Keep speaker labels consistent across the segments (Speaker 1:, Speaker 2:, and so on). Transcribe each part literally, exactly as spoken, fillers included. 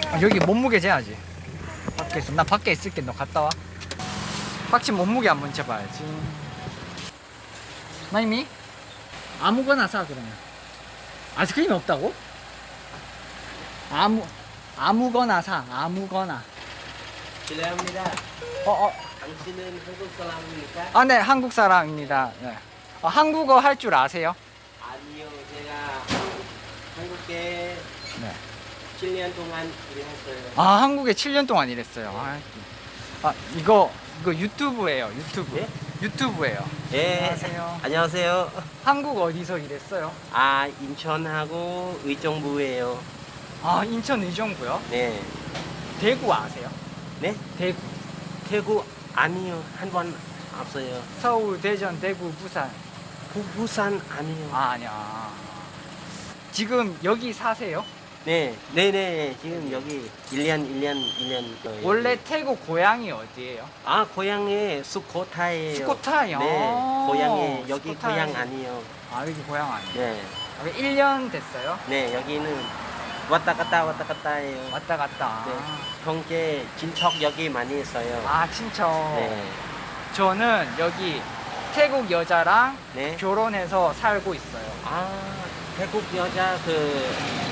Speaker 1: 아, 여기 몸무게 재야지. 밖에서 나 밖에 있을게. 너 갔다 와. 박씨 몸무게 한번 재봐야지. 마이미? 아무거나 사 그러면. 아이스크림이 없다고? 아무 아무거나 사. 아무거나.
Speaker 2: 실례합니다.
Speaker 1: 어 어.
Speaker 2: 당신은 한국 사람입니까?
Speaker 1: 아, 네, 한국 사람입니다. 네. 어, 한국어 할 줄 아세요?
Speaker 2: 아니요, 제가 한국, 한국에
Speaker 1: 네.
Speaker 2: 칠 년 동안 일했어요.
Speaker 1: 아, 한국에 칠 년 동안 일했어요. 아, 아 이거 이거 유튜브예요. 유튜브.
Speaker 2: 예?
Speaker 1: 유튜브예요.
Speaker 2: 예.
Speaker 1: 안녕하세요.
Speaker 2: 안녕하세요.
Speaker 1: 한국 어디서 일했어요?
Speaker 2: 아, 인천하고 의정부예요.
Speaker 1: 아, 인천 의정부요?
Speaker 2: 네.
Speaker 1: 대구 아세요?
Speaker 2: 네?
Speaker 1: 대구.
Speaker 2: 대구 아니요. 한 번 없어요.
Speaker 1: 서울, 대전, 대구, 부산.
Speaker 2: 부, 부산 아니요.
Speaker 1: 아, 아니야. 지금 여기 사세요?
Speaker 2: 네. 네네. 지금 여기 일 년, 일 년, 일 년.
Speaker 1: 원래 태국 고향이 어디예요?
Speaker 2: 아, 고향이 수코타이에요.
Speaker 1: 수코타이요?
Speaker 2: 네. 고향이 여기
Speaker 1: 수코타이.
Speaker 2: 고향 아니요.
Speaker 1: 아, 여기 고향 아니에요?
Speaker 2: 네.
Speaker 1: 아, 일 년 됐어요?
Speaker 2: 네, 여기는 왔다 갔다 왔다 갔다예요.
Speaker 1: 왔다 갔다.
Speaker 2: 네. 형제 친척 여기 많이 있어요.
Speaker 1: 아, 친척.
Speaker 2: 네.
Speaker 1: 저는 여기 태국 여자랑
Speaker 2: 네.
Speaker 1: 결혼해서 살고 있어요.
Speaker 2: 아, 태국 여자 그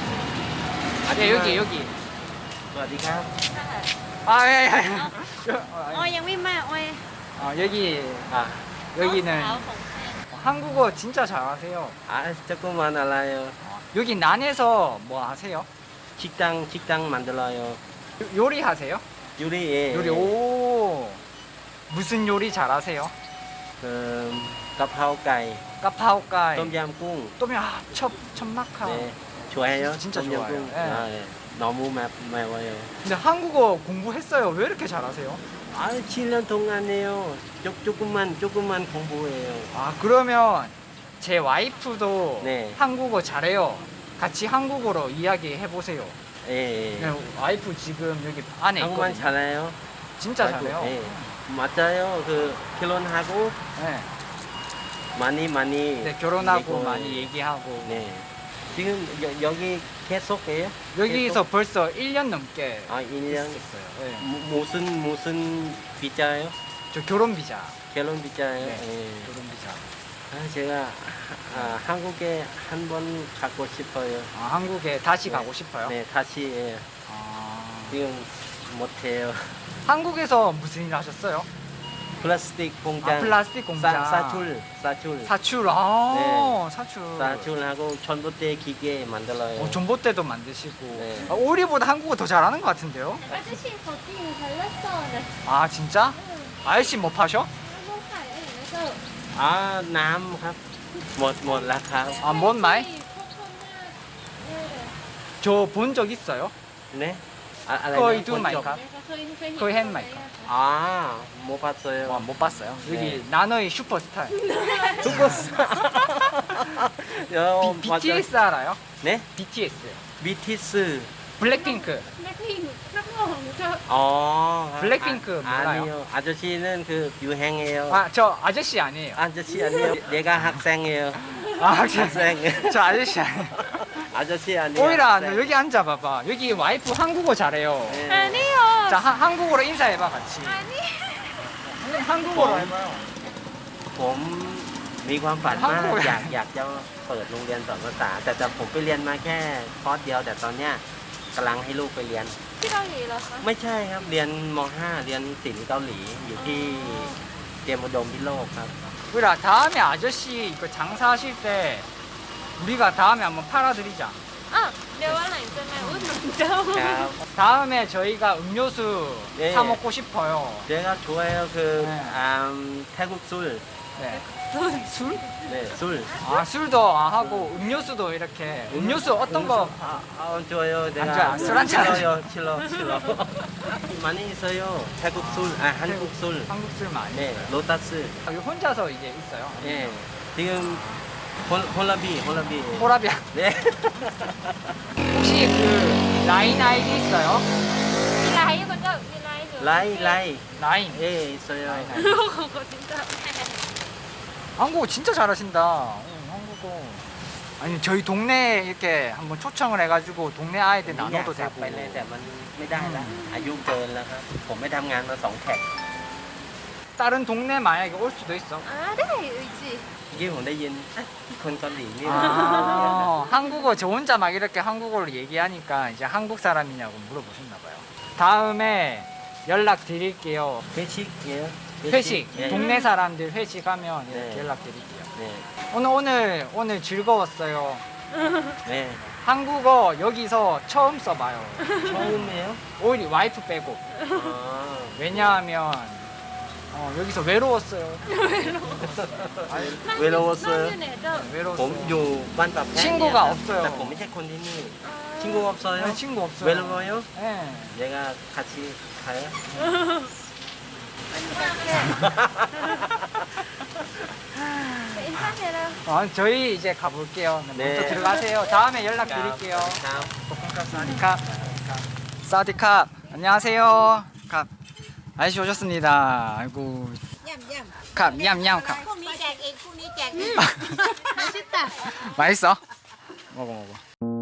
Speaker 1: 네, 여기, 여기.
Speaker 2: สวัสดีครับ
Speaker 1: 아, 예, 예. 여-
Speaker 3: ออยยังไม่มาออย
Speaker 1: 아, 여기,
Speaker 2: 아,
Speaker 1: 여기는
Speaker 3: น้องสาวของแฟน
Speaker 1: 한국어 진짜 잘하세요.
Speaker 2: 아, 조금만 알아요.
Speaker 1: 여기 난에서 뭐 하세요?
Speaker 2: 식당 식당 만들어요.
Speaker 1: 요- 요리하세요?
Speaker 2: 요리
Speaker 1: 요리, 오. 무슨 요리 잘하세요?
Speaker 2: 그 가파오가이,
Speaker 1: 까파오까이.
Speaker 2: 똠얌꿍.
Speaker 1: 또면 아, 첩, 첩마카.
Speaker 2: 네, 좋아해요?
Speaker 1: 진짜
Speaker 2: 똠얌꿍?
Speaker 1: 좋아요. 네.
Speaker 2: 아, 네. 너무 매, 매워요.
Speaker 1: 근데 한국어 공부했어요. 왜 이렇게 잘하세요?
Speaker 2: 아, 칠 년 동안에요. 조, 조금만 조금만 공부해요.
Speaker 1: 아, 그러면 제 와이프도
Speaker 2: 네.
Speaker 1: 한국어 잘해요. 같이 한국어로 이야기해 보세요.
Speaker 2: 예, 예.
Speaker 1: 네, 와이프 지금 여기 안에
Speaker 2: 한국말
Speaker 1: 있거든요.
Speaker 2: 잘해요?
Speaker 1: 진짜
Speaker 2: 아이고,
Speaker 1: 잘해요.
Speaker 2: 예. 맞아요. 그 결혼하고
Speaker 1: 네.
Speaker 2: 많이 많이
Speaker 1: 네, 결혼하고
Speaker 2: 얘기고,
Speaker 1: 많이 얘기하고.
Speaker 2: 네. 지금 여, 여기 계속해요?
Speaker 1: 여기서 벌써 일 년 넘게
Speaker 2: 아, 일 년.
Speaker 1: 있었어요. 네.
Speaker 2: 무- 무슨 무슨 비자요?
Speaker 1: 저 결혼 비자.
Speaker 2: 결혼 비자요?
Speaker 1: 네.
Speaker 2: 예.
Speaker 1: 결혼 비자.
Speaker 2: 아, 제가 아, 한국에 한 번 가고 싶어요.
Speaker 1: 아, 한국에 다시
Speaker 2: 네.
Speaker 1: 가고 싶어요?
Speaker 2: 네, 다시 예.
Speaker 1: 아,
Speaker 2: 지금 못해요.
Speaker 1: 한국에서 무슨 일 하셨어요?
Speaker 2: 플라스틱 공장.
Speaker 1: 아, 플라스틱 공장.
Speaker 2: 사, 사출, 사출.
Speaker 1: 사출. 아,
Speaker 2: 네.
Speaker 1: 사출.
Speaker 2: 사출하고 전봇대 기계 만들어요.
Speaker 1: 어, 전봇대도 만드시고.
Speaker 2: 네.
Speaker 1: 아, 오리보다 한국어 더 잘하는 것 같은데요?
Speaker 3: 아저씨 겉이 잘났어. 네.
Speaker 1: 아, 진짜? 아저씨 뭐 파셔?
Speaker 3: ลูกขายอะไรนะเจ้า
Speaker 2: 아, 남ครับ หมดหมดแล้วครับ
Speaker 1: 아, 뭔 말?
Speaker 3: พวกคนหน้าเนี่ย
Speaker 1: 저 본 적 있어요?
Speaker 2: 네? 아, อะไรนะ
Speaker 1: 거의
Speaker 2: คน
Speaker 1: 두
Speaker 2: จบ
Speaker 1: 마이카.
Speaker 3: เขาเคยเคยเห็น
Speaker 1: 거의 한 마이카.
Speaker 2: 아, 못 봤어요.
Speaker 1: 와, 못 봤어요. 여기
Speaker 2: 네.
Speaker 1: 나너의 슈퍼스타.
Speaker 2: 죽었어. 어,
Speaker 1: 비,
Speaker 2: 맞아.
Speaker 1: 비티에스 알아요?
Speaker 2: 네?
Speaker 1: 비티에스.
Speaker 2: 비티스.
Speaker 1: 블랙핑크.
Speaker 3: นักลิงนักร้องเจ้า
Speaker 2: 어.
Speaker 1: 블랙핑크
Speaker 2: 아,
Speaker 1: 몰라요?
Speaker 2: 아니요. 아저씨는 그 유행해요.
Speaker 1: 아, 저 아저씨 아니에요.
Speaker 2: 아저씨 아니에요. 내가 학생이에요.
Speaker 1: 아, 학생.
Speaker 2: 학생.
Speaker 1: 저 아저씨 아니에요.
Speaker 2: 아저씨 아니에요.
Speaker 1: 오이라,
Speaker 2: 학생.
Speaker 1: 너 여기 앉아봐봐. 여기 와이프 한국어 잘해요.
Speaker 3: อัน
Speaker 2: 네.
Speaker 3: นี้เหรอ
Speaker 1: 자, 하, 한국어로 인사해봐, 같이.
Speaker 3: อันนี้
Speaker 1: 한국어로 해봐요.
Speaker 2: ผมมีความฝันมาก
Speaker 1: 한국어
Speaker 2: อยากอยากจะเปิดโรงเรียนสอนภาษา แต่แต่ผมไปเรียนมาแค่คอร์สเดียว แต่ตอนเนี้ยกำลังให้ลูกไปเรียน
Speaker 3: ที่เกาหลีเหรอคะ
Speaker 2: ไม่ใช่ครับ เรียนม .ห้า เรียนศิลป์เกาหลีอยู่ที่เตรียมอุดมพิโลกครับ
Speaker 1: 우리라 다음에 아저씨 이거 장사하실 때 우리가 다음에 한번 팔아드리자.
Speaker 3: อ่ะเดี๋ยววันหลังจะมาอุดหนุนเจ้า
Speaker 2: ครับ
Speaker 1: 다음에 저희가 음료수
Speaker 2: 네.
Speaker 1: 사 먹고 싶어요.
Speaker 2: 제가 좋아해요 그
Speaker 1: 네.
Speaker 2: 음, 태국 술.
Speaker 1: 네. 술?
Speaker 2: 네, 술.
Speaker 1: 아, 술도 아, 하고 음료수도 이렇게 음료수 어떤 거?
Speaker 2: 아, 아 좋아요. 내가
Speaker 1: 좋아요. 술한 잔.
Speaker 2: 싫어요. 싫어, 싫어. 많이 있어요. 태국 술, 아 한국 술.
Speaker 1: 한국 술 많이.
Speaker 2: 네,
Speaker 1: 있어요.
Speaker 2: 로타스.
Speaker 1: 아, 이거 혼자서 이제 있어요.
Speaker 2: 예. 지금 홀, 홀라비, 홀라비.
Speaker 1: 호라비아.
Speaker 2: 네.
Speaker 1: 혹시 그 라인 아이디 있어요?
Speaker 3: มีไลน์คนเจ้ามีไลน์อยู่
Speaker 2: 라이, 라이.
Speaker 1: 라인.
Speaker 2: 예, 있어요.
Speaker 1: 라인 아이디.
Speaker 3: ลูกของคนเจ้า
Speaker 1: 한국어 진짜 잘하신다. 어, 한국어. 아, 아니 저희 동네에 이렇게 한번 초청을 해가지고 동네 아이들
Speaker 2: ผมอยาก
Speaker 1: 나눠도
Speaker 2: กลับ
Speaker 1: 되고
Speaker 2: ไปเลยแต่มันไม่ได้แล้วอายุเกินแล้วครับ ผมไม่ทำงานมาสองแท็ก
Speaker 1: 다른 동네 만약에 올 수도 있어.
Speaker 3: 아, 네, 의지.
Speaker 2: เมื่อกี้ผมได้ยินเอ๊ะคนเกาหลีนี่
Speaker 1: 아, 한국어 저 혼자 막 이렇게 한국어로 얘기하니까 이제 한국 사람이냐고 물어보셨나 봐요. 다음에 연락 드릴게요.
Speaker 2: เฟชิกเยอะ
Speaker 1: 회식.
Speaker 2: 예.
Speaker 1: 동네 사람들 회식하면 이렇게
Speaker 2: 네.
Speaker 1: 연락 드릴게요.
Speaker 2: เนี่ย
Speaker 1: 오늘 오늘 오늘 즐거웠어요.
Speaker 2: เนี่ย
Speaker 1: 한국어 여기서 처음 써봐요.
Speaker 2: ชอบไหมอ่ะ
Speaker 1: 오히려 와이프 빼고.
Speaker 2: อ๋อ
Speaker 1: 왜냐하면 어, 여기서 외로웠어요.
Speaker 2: เวลาว่าเซอร์
Speaker 3: 나는 애들.
Speaker 2: ผม
Speaker 1: 외로웠어요.
Speaker 2: อยู่บ้านปรับแพะ
Speaker 1: 친구가
Speaker 2: เนี่ยครับ
Speaker 1: 없어요
Speaker 2: แต่ผมไม่ใช่คนที่นี่
Speaker 3: 아.
Speaker 2: 친구 없어요?
Speaker 1: 네, 친구 없어요.
Speaker 2: 외로워요?
Speaker 1: 네.
Speaker 2: 내가 같이 가요?
Speaker 3: 인사해라.
Speaker 1: 어, 저희 이제 가볼게요.
Speaker 2: 네.
Speaker 1: 먼저 들어가세요. 다음에 연락드릴게요.
Speaker 2: ครับ
Speaker 1: 사디캅. 사디캅. 안녕하세요. 캅. 아저씨 오셨습니다. 아이고.
Speaker 4: ย่ำย่
Speaker 1: 캅, 냠냠
Speaker 4: ำ
Speaker 1: 캅.
Speaker 4: พรุ่งนี้แจกเองพรุ่งนี้แจกเอง
Speaker 3: 맛있다.
Speaker 1: 맛있어? 먹어, 먹어.